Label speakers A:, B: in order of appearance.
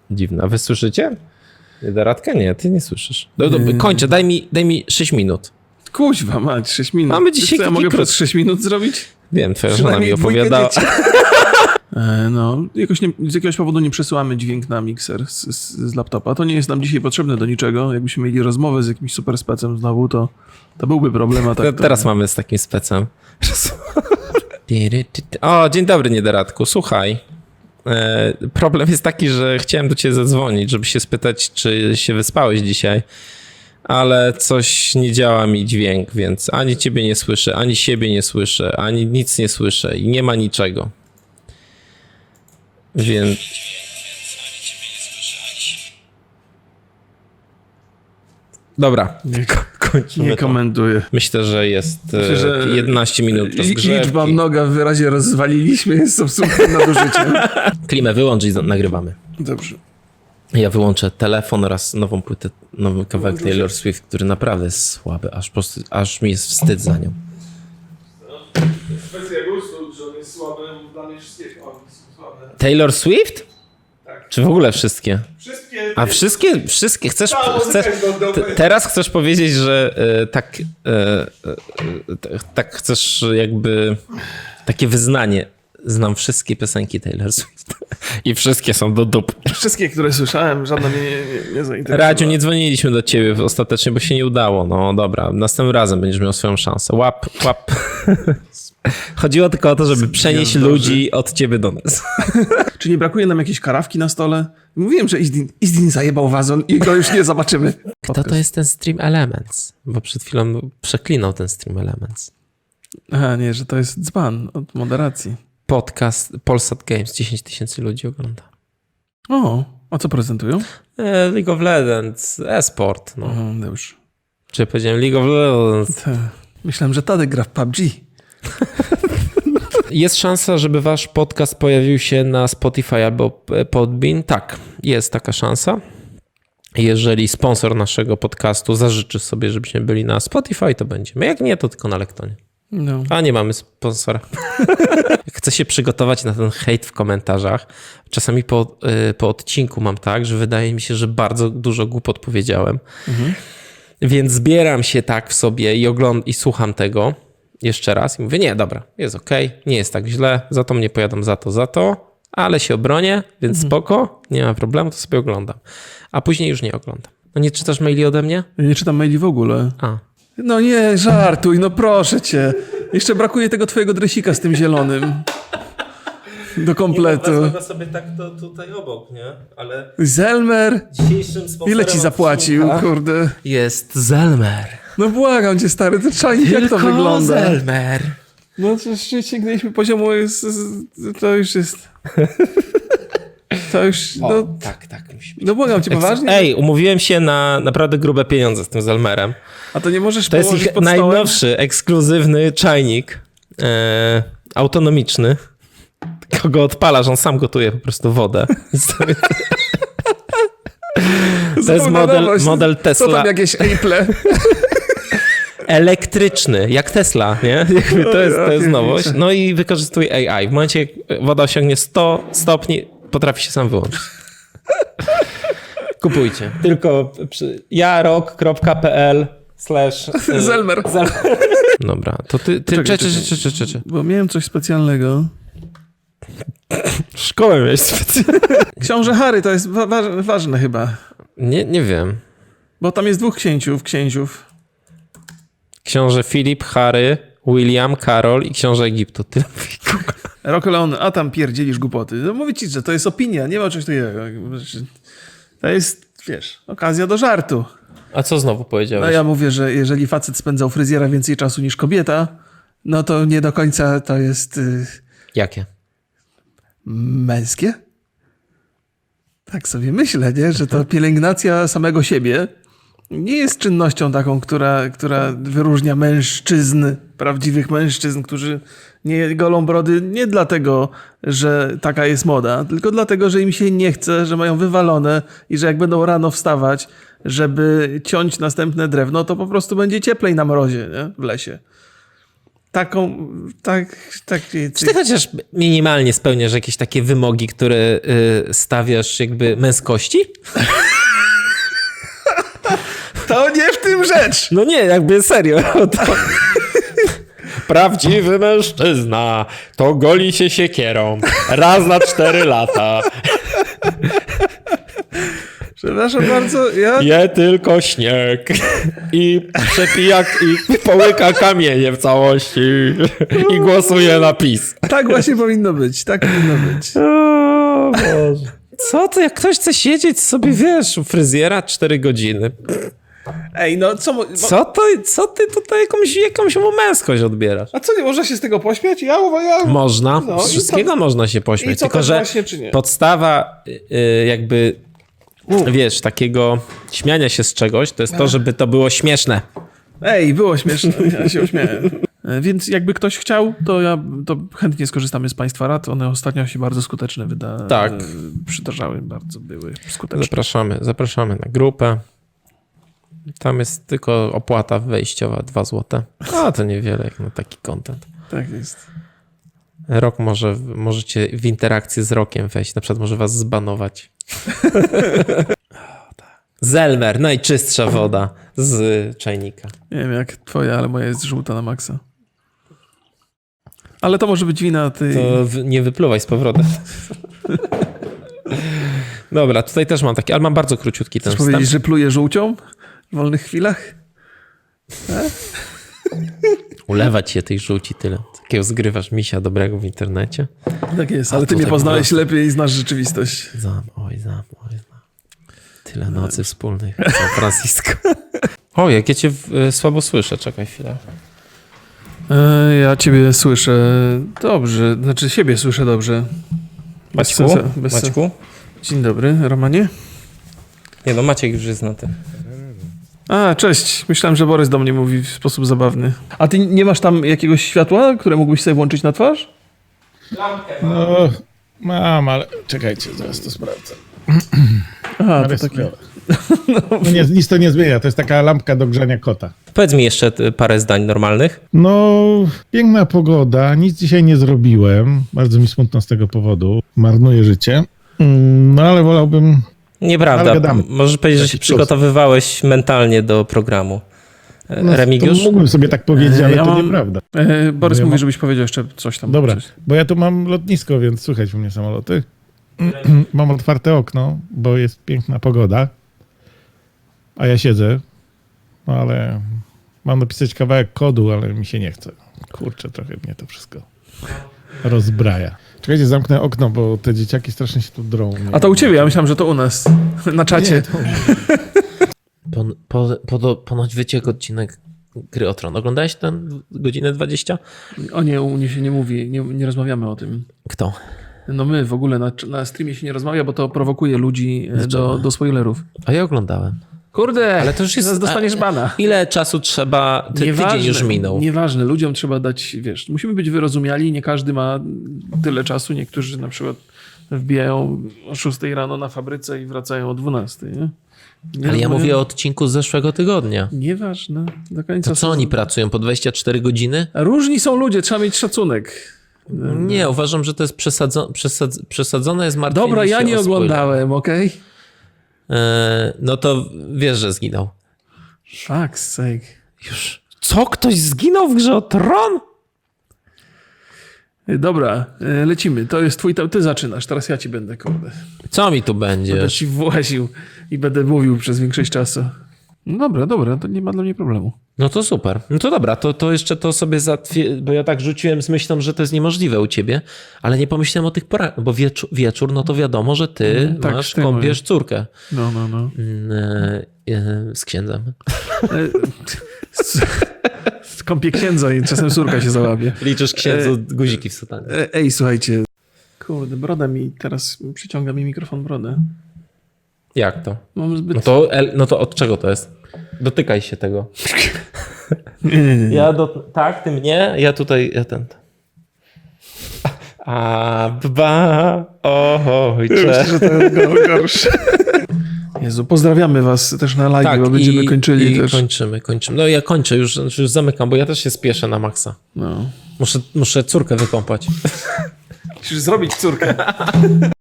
A: Dziwne. A wy słyszycie? Radka? Nie, ty nie słyszysz. Kończę, daj mi 6 minut.
B: Kuźwa mać, 6 minut.
A: Mamy dzisiaj
B: co, ja mogę przez 6 minut zrobić?
A: Wiem, twoja żona mi opowiadała.
B: No, z jakiegoś powodu nie przesyłamy dźwięk na mikser z laptopa. To nie jest nam dzisiaj potrzebne do niczego. Jakbyśmy mieli rozmowę z jakimś super specem znowu, to byłby problem. A tak
A: Teraz mamy z takim specem. O, dzień dobry, Niederadku. Słuchaj, problem jest taki, że chciałem do ciebie zadzwonić, żeby się spytać, czy się wyspałeś dzisiaj, ale coś nie działa mi dźwięk, więc ani ciebie nie słyszę, ani siebie nie słyszę, ani nic nie słyszę i nie ma niczego. Więc... Dobra, kończymy
B: nie komentuję.
A: Myślę, że jest 11 minut rozgrzewki.
B: Liczba mnoga w wyrazie rozwaliliśmy jest absolutnym nadużyciem.
A: Klimę wyłącz i nagrywamy.
B: Dobrze.
A: Ja wyłączę telefon oraz nową płytę, nowy kawałek Taylor Swift, który naprawdę jest słaby, aż mi jest wstyd za nią.
B: Kwestia gustu, że on jest słaby, dla mnie wszystkie są słabe.
A: Taylor Swift?
B: Tak.
A: Czy w ogóle wszystkie?
B: Wszystkie.
A: A wszystkie chcesz teraz chcesz powiedzieć, że tak chcesz jakby takie wyznanie. Znam wszystkie piosenki Taylor Swift i wszystkie są do dup.
B: Wszystkie, które słyszałem, żadna mnie nie zainteresowała.
A: Radziu, nie dzwoniliśmy do ciebie ostatecznie, bo się nie udało. No dobra, następnym razem będziesz miał swoją szansę. Łap. Chodziło tylko o to, żeby przenieść ludzi od ciebie do nas.
B: Czy nie brakuje nam jakiejś karawki na stole? Mówiłem, że Izdin zajebał wazon i go już nie zobaczymy.
A: Kto to jest ten Stream Elements? Bo przed chwilą przeklinał ten Stream Elements.
B: Aha, nie, że to jest dzban od moderacji.
A: Podcast Polsat Games, 10 000 ludzi ogląda.
B: O, a co prezentują?
A: League of Legends, e-sport. No.
B: Dobrze.
A: Czy powiedziałem League of Legends?
B: Myślałem, że Tadek gra w PUBG.
A: Jest szansa, żeby wasz podcast pojawił się na Spotify albo Podbean? Tak, jest taka szansa. Jeżeli sponsor naszego podcastu zażyczy sobie, żebyśmy byli na Spotify, to będziemy. Jak nie, to tylko na Lektonie.
B: No.
A: A nie mamy sponsora. Chcę się przygotować na ten hejt w komentarzach. Czasami po odcinku mam tak, że wydaje mi się, że bardzo dużo głupot powiedziałem. Więc zbieram się tak w sobie i słucham tego jeszcze raz i mówię, nie, dobra, jest okej, nie jest tak źle, za to mnie pojadą za to, ale się obronię, więc spoko, nie ma problemu, to sobie oglądam. A później już nie oglądam. No nie czytasz maili ode mnie?
B: Ja nie czytam maili w ogóle.
A: A.
B: No nie, żartuj, no proszę cię. Jeszcze brakuje tego twojego dresika z tym zielonym. Do kompletu.
A: Wezmę sobie tak to tutaj obok, nie? Ale
B: Zelmer?
A: dzisiejszym sponsorem
B: Ile ci zapłacił, kurde?
A: jest Zelmer.
B: No błagam cię, stary, to czajnik, jak to wygląda?
A: Zelmer.
B: No to sięgnęliśmy poziomu, to już jest... To już, no...
A: Tak, musi być.
B: No błagam cię, poważnie?
A: Ej, umówiłem się na naprawdę grube pieniądze z tym Zelmerem.
B: A to nie możesz
A: To jest
B: położyć
A: ich
B: pod stołem?
A: najnowszy, ekskluzywny czajnik autonomiczny. Kogo odpalasz, on sam gotuje po prostu wodę. To jest model Tesla.
B: Co tam jakieś Apple?
A: Elektryczny, jak Tesla, nie? To jest nowość. No i wykorzystuje AI. W momencie, jak woda osiągnie 100 stopni, potrafi się sam wyłączyć. Kupujcie. Tylko jarok.pl
B: Zelmer.
A: Dobra, to ty...
B: Czekaj. Bo miałem coś specjalnego.
A: Szkołę miałeś specjalnie.
B: Książę Harry, to jest ważne chyba.
A: Nie wiem.
B: Bo tam jest 2 księciów.
A: Książę Filip, Harry, William, Karol i książę Egiptu. Tyle.
B: Rokoleon, a tam pierdzielisz głupoty. No mówię ci, że to jest opinia, nie ma czegoś takiego. To jest, wiesz, okazja do żartu.
A: A co znowu powiedziałeś?
B: No ja mówię, że jeżeli facet spędzał fryzjera więcej czasu niż kobieta, no to nie do końca to jest...
A: Jakie?
B: Męskie? Tak sobie myślę, nie? Że to pielęgnacja samego siebie nie jest czynnością taką, która wyróżnia mężczyzn, prawdziwych mężczyzn, którzy nie golą brody nie dlatego, że taka jest moda, tylko dlatego, że im się nie chce, że mają wywalone i że jak będą rano wstawać, żeby ciąć następne drewno, to po prostu będzie cieplej na mrozie, nie? W lesie.
A: Czy ty chociaż minimalnie spełniasz jakieś takie wymogi, które stawiasz jakby męskości?
B: To nie w tym rzecz!
A: No nie, jakby serio. To... Prawdziwy mężczyzna to goli się siekierą raz na 4 lata.
B: Przepraszam bardzo,
A: Je tylko śnieg i przepija i połyka kamienie w całości i głosuje na PiS.
B: Tak właśnie powinno być, tak powinno być.
A: O Boże. Co to, jak ktoś chce siedzieć sobie, wiesz, u fryzjera 4 godziny.
B: Ej, no
A: Co ty tutaj jakąś mu męskość odbierasz?
B: A co, nie można się z tego pośmiać?
A: Można,
B: No,
A: z wszystkiego można się
B: i
A: pośmiać,
B: co,
A: tylko
B: tak
A: że
B: właśnie, czy nie?
A: podstawa jakby, wiesz, takiego śmiania się z czegoś, to jest to, żeby to było śmieszne.
B: Ej, było śmieszne, ja się uśmiałem. Więc jakby ktoś chciał, to chętnie skorzystamy z Państwa rad. One ostatnio się bardzo skuteczne
A: Tak.
B: przydarzały, bardzo były skuteczne.
A: Zapraszamy na grupę. Tam jest tylko opłata wejściowa 2 zł. A to niewiele jak na taki content.
B: Tak jest.
A: Rok możecie w interakcję z Rokiem wejść. Na przykład może was zbanować. Zelmer, najczystsza woda z czajnika.
B: Nie wiem jak twoja, ale moja jest żółta na maksa. Ale to może być wina tej...
A: To nie wypluwaj z powrotem. Dobra, tutaj też mam taki, ale mam bardzo króciutki ten
B: Chcesz powiedzieć, że pluje żółcią w wolnych chwilach?
A: Ulewać się tej żółci tyle. Takiego zgrywasz misia dobrego w internecie.
B: Tak jest, ale ty
A: to
B: mnie
A: tak
B: poznałeś
A: było.
B: lepiej i znasz rzeczywistość.
A: Znam. Tyle nocy wspólnych w San Francisco. O, jak ja cię słabo słyszę. Czekaj chwilę.
B: Ja ciebie słyszę dobrze, znaczy siebie słyszę dobrze.
C: Maćku?
B: Dzień dobry, Romanie.
C: Nie no, Maciek już jest na tym.
B: A, cześć. Myślałem, że Borys do mnie mówi w sposób zabawny. A ty nie masz tam jakiegoś światła, które mógłbyś sobie włączyć na twarz?
D: No, mam, ale czekajcie, zaraz to sprawdzę.
B: Aha,
D: Ale
B: to
D: jest
B: takie...
D: chujowe. No nie, nic to nie zmienia, to jest taka lampka do grzania kota.
A: Powiedz mi jeszcze parę zdań normalnych.
D: No, piękna pogoda, nic dzisiaj nie zrobiłem, bardzo mi smutno z tego powodu, marnuję życie, no ale wolałbym...
A: Nieprawda.
D: Ale gadamy.
A: Możesz powiedzieć, że
D: Taki
A: się
D: plus.
A: przygotowywałeś mentalnie do programu.
D: No,
A: Remigiusz?
D: to mógłbym sobie tak powiedzieć, ale
B: Ja
D: to
B: mam-
D: nieprawda.
B: Borys
D: Ja
B: mówi,
D: mam-
B: żebyś powiedział jeszcze coś tam.
D: Dobra,
B: Coś.
D: bo ja tu mam lotnisko, więc słychać u mnie samoloty. Mam otwarte okno, bo jest piękna pogoda, a ja siedzę, no ale mam napisać kawałek kodu, ale mi się nie chce. Kurczę, trochę mnie to wszystko rozbraja. Czekajcie, zamknę okno, bo te dzieciaki strasznie się tu drą.
B: A to u ciebie, ja myślałem, że to u nas, na czacie.
D: Nie, to...
A: Ponoć wyciekł odcinek Gry o Tron. Oglądałeś ten godzinę 20?
B: O nie, u mnie się nie mówi, nie rozmawiamy o tym.
A: Kto?
B: No my w ogóle na streamie się nie rozmawia, bo to prowokuje ludzi do spoilerów.
A: A ja oglądałem.
B: Kurde,
A: Ale to już jest...
B: zaraz dostaniesz bana.
A: Ile czasu trzeba... Tydzień już minął.
B: Nieważne, ludziom trzeba dać, wiesz, musimy być wyrozumiali, nie każdy ma tyle czasu, niektórzy na przykład wbijają o 6 rano na fabryce i wracają o 12, nie?
A: Ale ja mówię o odcinku z zeszłego tygodnia.
B: Nieważne, do końca.
A: To co oni pracują? Po 24 godziny?
B: Różni są ludzie, trzeba mieć szacunek.
A: Nie, uważam, że to jest przesadzone jest martwienie
B: Dobra, ja
A: się
B: nie
A: o spoiler.
B: oglądałem, okej?
A: No to wiesz, że zginął.
B: Fuck's sake.
A: Już. Co? Ktoś zginął w Grze o Tron?
B: Dobra, lecimy. To jest twój, ty zaczynasz, teraz ja ci będę, kurde.
A: Co mi tu
B: Będę
A: będzie?
B: ci właził i będę mówił przez większość czasu. No dobra, to nie ma dla mnie problemu.
A: No to super. No to dobra, to jeszcze to sobie bo ja tak rzuciłem z myślą, że to jest niemożliwe u ciebie, ale nie pomyślałem o tych porach, bo wieczór, no to wiadomo, że ty
B: tak,
A: masz,
B: ty
A: kąpiesz córkę
B: No.
A: z księdzem.
B: Skąpię księdza i czasem córka się załapie.
A: Liczysz księdzu guziki w sutanie.
B: Ej, słuchajcie. Kurde, broda mi teraz przyciąga mi mikrofon brodę.
A: Jak to?
B: Mam zbyt...
A: No to od czego to jest? Dotykaj się tego.
B: Nie.
A: Ja tak, ty mnie, ja tutaj, ja ten. Ojcze.
B: Myślę, że to jest gorsze. Jezu, pozdrawiamy was też na live, bo będziemy kończyli
A: i
B: też.
A: kończymy. No ja kończę już zamykam, bo ja też się spieszę na maksa.
B: No.
A: Muszę córkę wykąpać.
B: Musisz zrobić córkę.